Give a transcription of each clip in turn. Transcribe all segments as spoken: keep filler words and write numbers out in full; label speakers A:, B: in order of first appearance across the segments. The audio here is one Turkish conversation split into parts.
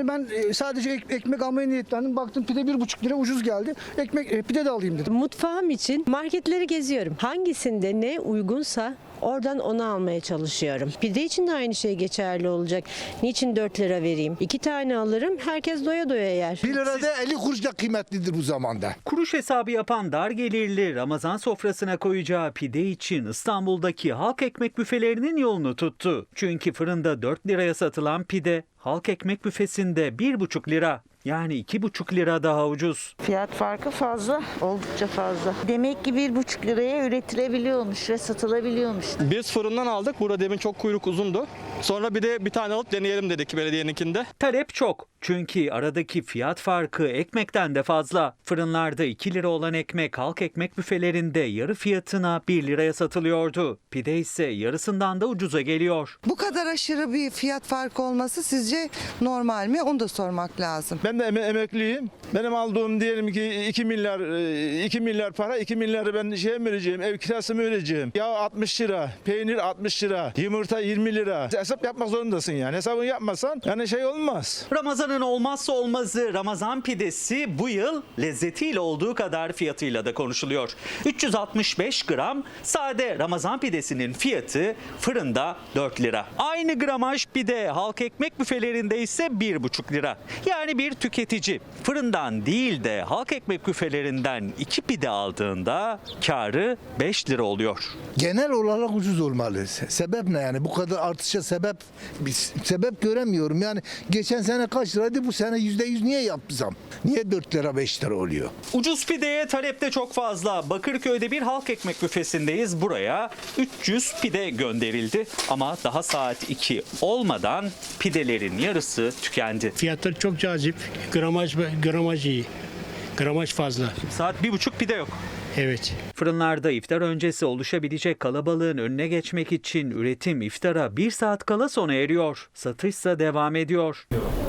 A: Yani ben e, sadece ek, ekmek almaya niyetlendim. Baktım pide bir buçuk lira ucuz geldi. Ekmek e, pide de alayım dedim.
B: Mutfağım için marketleri geziyorum. Hangisinde ne uygunsa oradan onu almaya çalışıyorum. Pide için de aynı şey geçerli olacak. Niçin dört lira vereyim? İki tane alırım, herkes doya doya yer.
C: bir lirada elli kuruş da kıymetlidir bu zamanda.
D: Kuruş hesabı yapan dar gelirli Ramazan sofrasına koyacağı pide için İstanbul'daki halk ekmek büfelerinin yolunu tuttu. Çünkü fırında dört liraya satılan pide halk ekmek büfesinde bir buçuk lira. Yani iki buçuk lira daha ucuz.
E: Fiyat farkı fazla, oldukça fazla. Demek ki bir buçuk liraya üretilebiliyormuş ve satılabiliyormuş.
F: Biz fırından aldık. Burada demin çok kuyruk uzundu. Sonra bir de bir tane alıp deneyelim dedik belediyeninkinde.
D: Talep çok. Çünkü aradaki fiyat farkı ekmekten de fazla. Fırınlarda iki lira olan ekmek halk ekmek büfelerinde yarı fiyatına bir liraya satılıyordu. Pide ise yarısından da ucuza geliyor.
G: Bu kadar aşırı bir fiyat farkı olması sizce normal mi? Onu da sormak lazım.
C: Ben de em- emekliyim. Benim aldığım diyelim ki iki milyar iki milyar para, iki milyarı ben şeye mi vereceğim? Ev kirası mı vereceğim? Yağ altmış lira, peynir altmış lira, yumurta yirmi lira. Hesap yapmak zorundasın yani. Hesabını yapmasan yani şey olmaz.
D: Ramazan'ın olmazsa olmazı Ramazan pidesi bu yıl lezzetiyle olduğu kadar fiyatıyla da konuşuluyor. üç yüz altmış beş gram sade Ramazan pidesinin fiyatı fırında dört lira. Aynı gramaj pide halk ekmek büfelerinde ise bir buçuk lira. Yani bir tüketici fırından değil de halk ekmek büfelerinden iki pide aldığında karı beş lira oluyor.
C: Genel olarak ucuz olmalı. Se- Sebep ne yani? Bu kadar artışa sebep bir sebep göremiyorum. Yani geçen sene kaç liraydı, bu sene yüzde yüz niye yaptı zam? Niye dört lira beş lira oluyor?
D: Ucuz pideye talep de çok fazla. Bakırköy'de bir halk ekmek büfesindeyiz. Buraya üç yüz pide gönderildi. Ama daha saat iki olmadan pidelerin yarısı tükendi.
H: Fiyatlar çok cazip. Gramaj, gramaj iyi. Gramaj fazla.
D: Saat bir buçuk pide yok.
H: Evet.
D: Fırınlarda iftar öncesi oluşabilecek kalabalığın önüne geçmek için üretim iftara bir saat kala sona eriyor. Satışsa devam ediyor.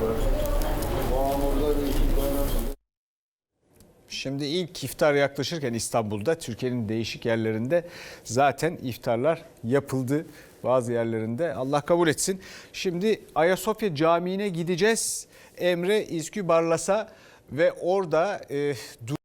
I: Şimdi ilk iftar yaklaşırken İstanbul'da, Türkiye'nin değişik yerlerinde zaten iftarlar yapıldı. Bazı yerlerinde, Allah kabul etsin. Şimdi Ayasofya Camii'ne gideceğiz. Emre İzkü Barlas'a ve orada e,